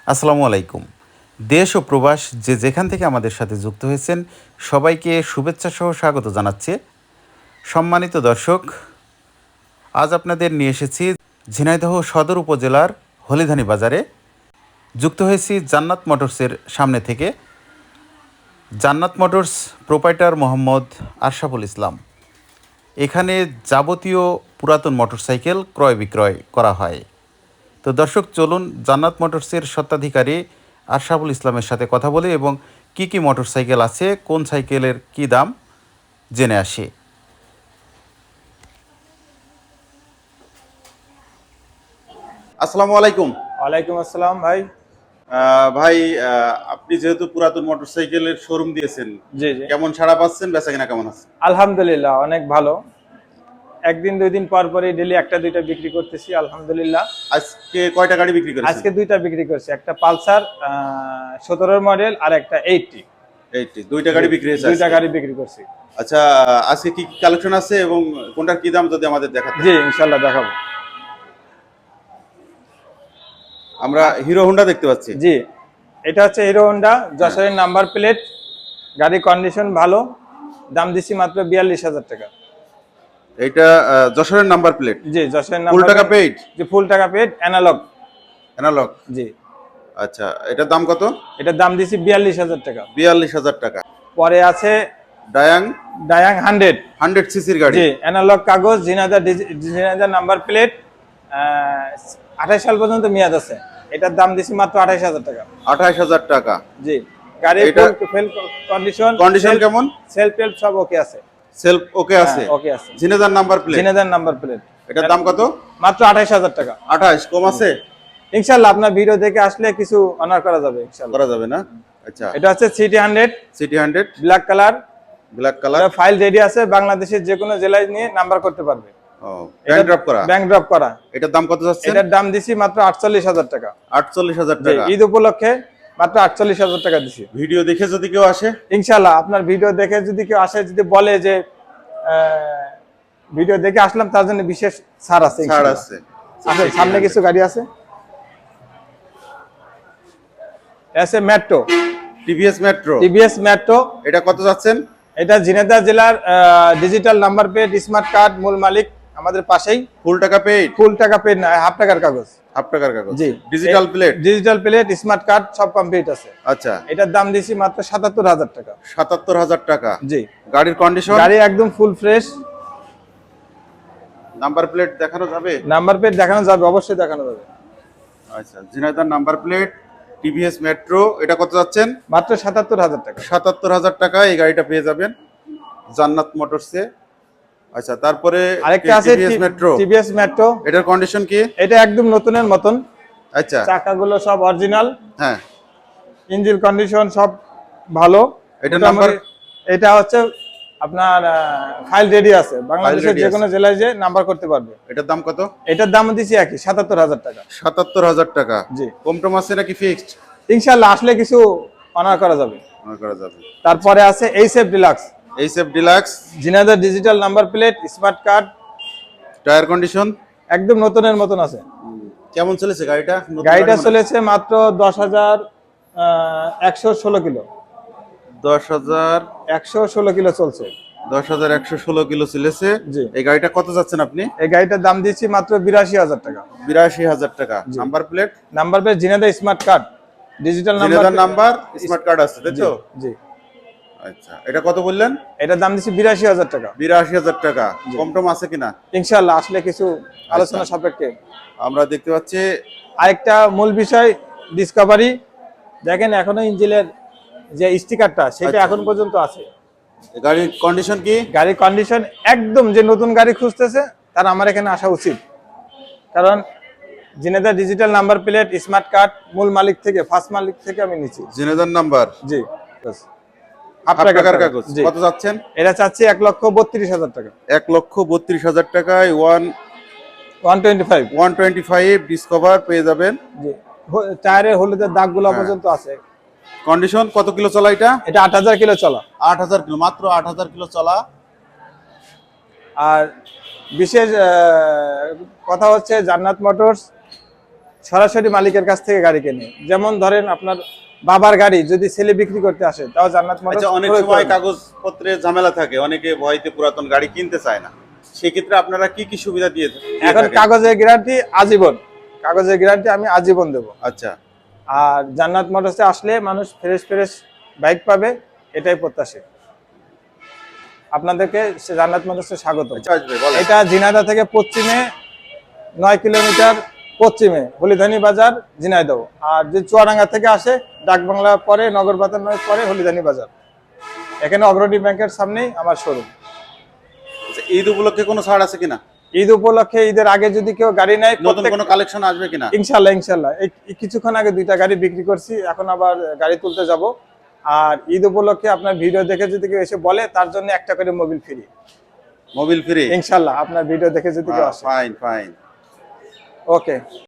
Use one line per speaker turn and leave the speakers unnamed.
আসসালামু আলাইকুম। দেশ ও প্রবাস যে যেখান থেকে আমাদের সাথে যুক্ত হয়েছেন সবাইকে শুভেচ্ছা সহ স্বাগত জানাচ্ছি। সম্মানিত দর্শক, আজ আপনাদের নিয়ে এসেছি ঝিনাইদহ সদর উপজেলার হলিধানি বাজারে। যুক্ত হয়েছি জান্নাত মোটরসের সামনে থেকে। Jannat motors proprietor Mohammad Ashraful Islam. এখানে যাবতীয় পুরাতন মোটরসাইকেল ক্রয় বিক্রয় করা হয়। তো দর্শক, চলুন জান্নাত মোটরসের স্বত্বাধিকারী আশরাফুল ইসলামের সাথে কথা বলি এবং কি মোটরসাইকেল আছে, কোন সাইকেলের কি দাম জেনে আসি। আসসালামু আলাইকুম।
ওয়ালাইকুম আসসালাম ভাই।
ভাই, আপনি যেহেতু পুরাতন মোটরসাইকেলের শোরুম দিয়েছেন,
জি জি,
কেমন সাড়া পাচ্ছেন? বেচাকেনা কেমন আছে?
আলহামদুলিল্লাহ অনেক ভালো। একদিন দুই দিন পর পরই ডেলি একটা দুইটা বিক্রি করতেছি আলহামদুলিল্লাহ।
আজকে কয়টা গাড়ি বিক্রি করেছেন?
আজকে দুইটা বিক্রি করছি, একটা পালসার 17 মডেল আর একটা 80।
দুইটা গাড়ি বিক্রি হয়েছে?
দুইটা গাড়ি বিক্রি করছি।
আচ্ছা, আজকে কি কালেকশন আছে এবং কোনটার কি দাম যদি আমাদের দেখাতে?
জি ইনশাল্লাহ দেখাবো।
আমরা হিরো হোন্ডা দেখতে পাচ্ছি।
জি, এটা হচ্ছে হিরো হোন্ডা, যশোরের নাম্বার প্লেট, গাড়ির কন্ডিশন ভালো। দাম দিচ্ছি মাত্র 42,000 টাকা।
এইটা যশোরের নাম্বার প্লেট?
জি যশোরের
ফুল
নাম্বার
টাকা পেইড?
জি ফুল টাকা পেড, অ্যানালগ।
অ্যানালগ?
জি।
আচ্ছা, এটার দাম কত?
এটার দাম দিচ্ছি 42,000 টাকা।
42,000 টাকা।
পরে আছে
ডায়াং?
ডায়াং
100 সিসির গাড়ি।
জি, অ্যানালগ কাগজ, জিনাদার নাম্বার প্লেট, 28 সাল পর্যন্ত মেয়াদ আছে। এটার দাম দিছি মাত্র 28,000 টাকা।
28,000 টাকা।
জি, গাড়ি ফুল
কন্ডিশন কেমন?
সেলফ টেলফ সব ওকে আছে।
সেলফ ওকে আছে?
ওকে আছে।
Jhenaidah number plate?
Jhenaidah number plate.
এটার দাম কত?
মাত্র 28,000 টাকা।
28? কম আছে?
ইনশাআল্লাহ আপনার ভিডিও দেখে আসলে কিছু অনার করা যাবে ইনশাআল্লাহ।
করা যাবে না? আচ্ছা,
এটা হচ্ছে CT 100 black colour.
Black colour.
এটা ফাইল রেডি আছে, বাংলাদেশের যে কোনো জেলায় নিয়ে নাম্বার করতে পারবে।
ও, ব্যাংক ড্রপ করা?
ব্যাংক ড্রপ করা।
এটার দাম কত যাচ্ছে?
এটার দাম দিছি মাত্র 48,000 টাকা।
48,000 টাকা?
ঈদ উপলক্ষে মাত্র 48,000 টাকা দিছি।
ভিডিও দেখে যদি কেউ আসে?
ইনশাআল্লাহ আপনার ভিডিও দেখে যদি কেউ আসে, যদি বলে যে ভিডিও দেখে আসলাম, তার জন্য বিশেষ ছাড় আছে।
ছাড় আছে?
সামনে কিছু গাড়ি আছে, আছে মেট্রো,
টিভিএস মেট্রো। এটা কত যাচ্ছেন?
এটা ঝিনাইদহ জেলার digital number plate, smart card, মূল মালিক আমাদের পাশেই।
ফুল টাকা পেইড?
ফুল টাকা পেড না, হাফ টাকার কাগজ।
হাফ টাকার কাগজ?
জি।
ডিজিটাল
প্লেট, স্মার্ট কার্ড সব কমপ্লিট আছে।
আচ্ছা,
এটার দাম দিছি মাত্র 77,000 টাকা।
77,000 টাকা?
জি।
গাড়ির কন্ডিশন?
গাড়ি একদম ফুল ফ্রেশ।
নাম্বার প্লেট দেখানো যাবে?
নাম্বার প্লেট দেখানো যাবে, অবশ্যই দেখানো যাবে।
আচ্ছা, Jhenaidah number plate, TVS Metro. এটা কত যাচ্ছেন?
মাত্র 77,000 টাকা।
77,000 টাকা এই গাড়িটা পেয়ে যাবেন জান্নাত মোটরসে। আচ্ছা, তারপরে
আরেকটা আছে টিভিএস মেট্রো।
এটার কন্ডিশন কি?
এটা একদম নতুনের মতন।
আচ্ছা,
চাকাগুলো সব অরিজিনাল।
হ্যাঁ।
ইঞ্জিন কন্ডিশন সব ভালো।
এটা নাম্বার?
এটা হচ্ছে আপনার ফাইল রেডি আছে, বাংলাদেশের যে কোনো জেলায় যে নাম্বার করতে পারবে।
এটার দাম কত?
এটার দাম দিছি একই 77,000 টাকা।
77,000 টাকা?
জি।
কম টম আছে নাকি ফিক্সড?
ইনশাআল্লাহ আসলে কিছু অনার করা যাবে। তারপরে আছে HF Deluxe, Jhenaidah digital number plate, smart card.
Tyre condition
একদম নতুনের মতন আছে।
কেমন চলেছে গাড়িটা?
গাড়িটা চলেছে মাত্র 10,116 কিলো।
10,116
কিলো চলছে।
10,116 কিলো চলেছে।
জি।
এই গাড়িটা কত যাচ্ছেন আপনি?
এই গাড়িটার দাম দিচ্ছি মাত্র 82,000 টাকা।
82,000 টাকা? Number plate?
Number plate Jhenaidah smart card, digital
number, smart card আছে, তাই তো?
জি।
আচ্ছা, এটা কত বললেন?
এটার দাম দিচ্ছি 82,000 টাকা।
82,000 টাকা? কম টম আছে কিনা?
ইনশাআল্লাহ আসলে কিছু আলোচনা সাপেক্ষে।
আমরা দেখতে পাচ্ছি
আরেকটা মূল বিষয়, ডিসকভারি দেখেন এখনো ইঞ্জিনের যে স্টিকারটা সেটা এখন পর্যন্ত আছে।
গাড়ির কন্ডিশন কি?
গাড়ির কন্ডিশন একদম, যে নতুন গাড়ি খুঁজতেছে তার আমার এখানে আসা উচিত, কারণ Jhenaidah digital number plate, smart card, মূল মালিক থেকে, ফার্স্ট মালিক থেকে আমি নিচ্ছি।
ঝিনাইদহ নাম্বার?
জি।
হাফ টাকার কাগজ? কত যাচ্ছেন?
এটা চাচ্ছি 1,32,000 টাকা।
1,32,000 টাকায়
125
ডিসকভার পেয়ে যাবেন।
জি। টায়ারের হলুদের দাগগুলো পর্যন্ত আছে।
কন্ডিশন কত কিলো চলা এটা?
এটা 8,000 কিলো চলা।
8,000 কিলো? মাত্র 8,000 কিলো চলা।
আর বিশেষ কথা হচ্ছে জান্নাত মোটরস সরাসরি মালিকের কাছ থেকে গাড়ি কেনে। যেমন ধরেন আপনার বাবার গাড়ি যদি ছেলে বিক্রি করতে আসে, তাও জান্নাত মোটরস
আচ্ছা, অনেক
ক্রয়
সময়
করে নেয়।
কাগজপত্রে ঝামেলা থাকে, অনেকে ভয়তে পুরাতন গাড়ি কিনতে চায় না, সেক্ষেত্রে আপনারা কি কি সুবিধা দিয়ে
এখন
থাকেন?
কাগজের গ্যারান্টি আজীবন, কাগজের গ্যারান্টি আমি আজীবন দেবো।
আচ্ছা
আর জান্নাত মোটরসে আসলে মানুষ ফ্রেশ ফ্রেশ বাইক পাবে, এটাই প্রত্যাশী। আপনাদেরকে জান্নাত মোটরসে স্বাগত।
আচ্ছা, আসবে বলেন।
এটা ঝিনাইদহ থেকে পশ্চিমে 9 কিলোমিটার পশ্চিমে হলিধানি বাজার, ঝিনাইদহ। আর যে চুয়াডাঙ্গা থেকে আসে, ডাকবাংলা পরে নগর বাজার পরে হলিধানি বাজার। এখানে অগ্রণী ব্যাংকের সামনেই আমার শোরুম।
আচ্ছা, ঈদ উপলক্ষে কোনো ছাড় আছে কিনা?
ঈদ উপলক্ষে, ঈদের আগে যদি কেউ গাড়ি নেয়,
নতুন কোনো কালেকশন আসবে কিনা?
ইনশাল্লাহ ইনশাল্লাহ। এই কিছুক্ষণ আগে 2টা গাড়ি বিক্রি করছি, এখন আবার গাড়ি তুলতে যাব। আর ঈদ উপলক্ষে আপনার ভিডিও দেখে যদি কেউ এসে বলে, তার জন্য একটা করে মোবিল ফ্রি।
Mobil free?
ইনশাল্লাহ আপনার ভিডিও দেখে যদি কেউ আসে।
Fine fine.
ওকে।